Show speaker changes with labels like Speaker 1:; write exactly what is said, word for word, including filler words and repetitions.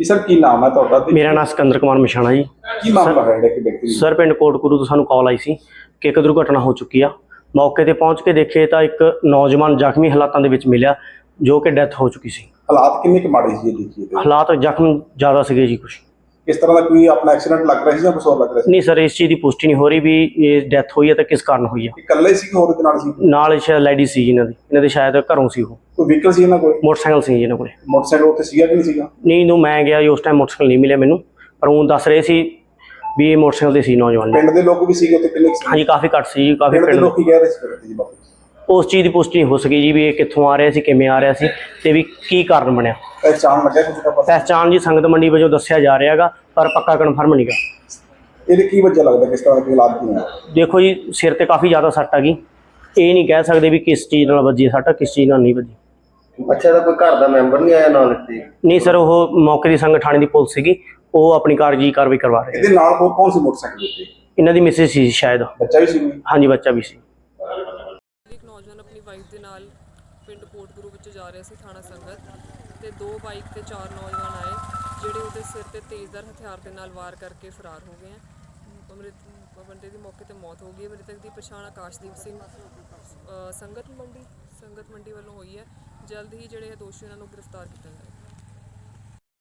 Speaker 1: ਜੀ ਸਰ ਕੀ ਨਾਮ ਹੈ ਤੁਹਾਡਾ ਤੇ
Speaker 2: ਮੇਰਾ ਨਾਮ ਸਿਕੰਦਰ ਕੁਮਾਰ ਮਛਾਣਾ ਜੀ।
Speaker 1: ਕੀ ਮਾਮਲਾ ਹੈ ਜਿਹੜਾ ਕਿ ਵਿਅਕਤੀ ਦੀ-
Speaker 2: ਸਰ ਪਿੰਡ ਕੋਟਕੁਰੂ ਤੋਂ ਸਾਨੂੰ ਕਾਲ ਆਈ ਸੀ ਕਿ ਇੱਕ ਦੁਰਘਟਨਾ ਹੋ ਚੁੱਕੀ ਆ। ਮੌਕੇ ਤੇ ਪਹੁੰਚ ਕੇ ਦੇਖੇ ਤਾਂ ਇੱਕ ਨੌਜਵਾਨ ਜ਼ਖਮੀ ਹਾਲਾਤਾਂ ਦੇ ਵਿੱਚ ਮਿਲਿਆ ਜੋ ਕਿ ਡੈਥ ਹੋ ਚੁੱਕੀ ਸੀ।
Speaker 1: ਹਾਲਾਤ ਕਿੰਨੇ ਕੁ ਮਾੜੇ ਸੀ ਇਹ ਦੇਖੀਏ ਤੇ
Speaker 2: ਹਾਲਾਤ ਜ਼ਖਮ ਜ਼ਿਆਦਾ ਸੀਗੇ ਜੀ ਕੁਛ।
Speaker 1: ਕਿਸ ਤਰ੍ਹਾਂ ਦਾ ਕੋਈ ਆਪਣਾ ਐਕਸੀਡੈਂਟ ਲੱਗ ਰਿਹਾ ਸੀ ਜਾਂ ਕੁਛ ਹੋਰ ਲੱਗ ਰਿਹਾ ਸੀ?
Speaker 2: ਨਹੀਂ ਸਰ, ਇਸ ਚੀਜ਼ ਦੀ ਪੁਸ਼ਟੀ ਨਹੀਂ ਹੋ ਰਹੀ ਵੀ ਇਹ ਡੈਥ ਹੋਈ ਹੈ ਤਾਂ ਕਿਸ ਕਾਰਨ ਹੋਈ ਆ।
Speaker 1: ਇਕੱਲੇ ਸੀ ਕਿ ਹੋਰ ਦੇ ਨਾਲ ਸੀ?
Speaker 2: ਨਾਲ ਸ਼ਾਇਦ ਲੈਡੀ ਸੀ ਜੀ ਇਹਨਾਂ ਦੀ, ਇਹਨਾਂ ਦੇ ਸ਼ਾਇਦ ਘਰੋਂ ਸੀ ਉਹ।
Speaker 1: ਕੋਈ ਵਹੀਕਲ ਸੀ ਇਹਨਾਂ ਕੋਲ?
Speaker 2: ਮੋਟਰਸਾਈਕਲ ਸੀ ਜੀ ਇਹਨਾਂ ਕੋਲੇ।
Speaker 1: ਮੋਟਰਸਾਈਕਲ ਉੱਥੇ ਸੀਗਾ ਕਿ ਨਹੀਂ ਸੀਗਾ?
Speaker 2: ਨਹੀਂ, ਨੂੰ ਮੈਂ ਗਿਆ ਜੀ ਉਸ ਟਾਈਮ ਮੋਟਰਸਾਈਕਲ ਨਹੀਂ ਮਿਲਿਆ ਮੈਨੂੰ, ਪਰ ਉਹ ਦੱਸ ਰਹੇ ਸੀ ਵੀ ਇਹ ਮੋਟਰਸਾਈਕਲ ਤੇ ਸੀ ਨੌਜਵਾਨ।
Speaker 1: ਪਿੰਡ ਦੇ ਲੋਕ ਵੀ ਸੀਗੇ ਉੱਥੇ ਕਿੰਨੇ ਕੁ ਸੀ?
Speaker 2: ਹਾਂਜੀ, ਕਾਫੀ ਘੱਟ ਸੀ ਜੀ, ਕਾਫੀ
Speaker 1: ਪਿੰਡ ਦੇ
Speaker 2: ਪਿੰਡ।
Speaker 1: ਲੋਕ ਕੀ ਕਹਿ ਰਹੇ ਸੀ ਫਿਰ ਜੀ ਬਾਪੂ?
Speaker 2: ਉਸ ਚੀਜ਼ ਦੀ ਪੁਸ਼ਟੀ ਨਹੀਂ ਹੋ ਸਕੀ ਜੀ ਵੀ ਇਹ ਕਿੱਥੋਂ ਆ ਰਿਹਾ ਸੀ, ਕਿਵੇਂ ਆ ਰਿਹਾ ਸੀ ਤੇ ਵੀ ਕੀ ਕਾਰਨ ਬਣਿਆ।
Speaker 1: ਪਹਿਚਾਣ ਲੱਗਿਆ ਕੁਝ ਦਾ ਪਤਾ?
Speaker 2: ਪਹਿਚਾਣ ਜੀ ਸੰਗਤ ਮੰਡੀ ਵਜੋਂ ਦੱਸਿਆ ਜਾ ਰਿਹਾ ਹੈਗਾ, ਪਰ ਪੱਕਾ ਕਨਫਰਮ ਨਹੀਂਗਾ।
Speaker 1: ਇਹਦੇ ਕੀ ਵਜ੍ਹਾ ਲੱਗਦਾ, ਕਿਸ ਤਰ੍ਹਾਂ ਦੇ ਹਾਲਾਤ ਕੀ ਨੇ?
Speaker 2: ਦੇਖੋ ਜੀ, ਸਿਰ ਤੇ ਕਾਫੀ ਜ਼ਿਆਦਾ ਸੱਟ ਆ ਗਈ। ਇਹ ਨਹੀਂ ਕਹਿ ਸਕਦੇ ਵੀ ਕਿਸ ਚੀਜ਼ ਨਾਲ ਵੱਜੀ ਸੱਟ, ਕਿਸ ਚੀਜ਼ ਨਾਲ ਨਹੀਂ ਵੱਜੀ।
Speaker 3: ਅੱਛਾ, ਇਹਦਾ ਕੋਈ ਘਰ ਦਾ ਮੈਂਬਰ ਨਹੀਂ ਆਇਆ ਨਾਲ ਇੱਥੇ?
Speaker 2: ਨਹੀਂ ਸਰ, ਉਹ ਮੌਕੇ ਦੀ ਸੰਗਤ ਥਾਣੇ ਦੀ ਪੁਲਿਸ ਸੀਗੀ, ਉਹ ਆਪਣੀ ਕਾਰਜੀ ਕਾਰਵਾਈ ਕਰਵਾ ਰਹੇ।
Speaker 1: ਇਹਦੇ ਨਾਲ ਹੋਰ ਕੌਣ ਸੀ ਮੋਟਰਸਾਈਕਲ ਉੱਤੇ?
Speaker 2: ਇਹਨਾਂ ਦੀ ਮਿਸਿਸ ਸੀ ਸ਼ਾਇਦ।
Speaker 1: ਬੱਚਾ ਵੀ ਸੀ ਕੋਈ?
Speaker 2: ਹਾਂਜੀ, ਬੱਚਾ ਵੀ ਸੀ।
Speaker 4: ਇੱਕ ਨੌਜਵਾਨ ਆਪਣੀ ਵਾਈਫ ਦੇ ਨਾਲ ਪਿੰਡ ਕੋਟਗੁਰੂ ਵਿੱਚ ਜਾ ਰਿਹਾ ਸੀ ਥਾਣਾ ਸੰਗਤ, ਤੇ ਦੋ ਬਾਈਕ ਤੇ ਚਾਰ ਨੌਜਵਾਨ ਆਏ ਜਿਹੜੇ ਉਹਦੇ ਸਿਰ ਤੇ ਤੇਜ਼ਧਾਰ ਹਥਿਆਰ ਦੇ ਨਾਲ ਵਾਰ ਕਰਕੇ ਫਰਾਰ ਹੋ ਗਏ ਆ। ਅੰਮ੍ਰਿਤ ਬੰਦੇ ਦੀ ਮੌਕੇ ਤੇ ਮੌਤ ਹੋ ਗਈ ਹੈ। ਮ੍ਰਿਤਕ ਦੀ ਪਛਾਣ ਆਕਾਸ਼ਦੀਪ ਸਿੰਘ ਅ, ਸੰਗਤ ਮੰਡੀ ਸੰਗਤ ਮੰਡੀ ਵੱਲੋਂ ਹੋਈ ਹੈ। ਜਲਦ ਹੀ ਜਿਹੜੇ ਦੋਸ਼ੀ ਉਹਨਾਂ ਨੂੰ ਗ੍ਰਿਫਤਾਰ ਕੀਤਾ ਜਾਏਗਾ।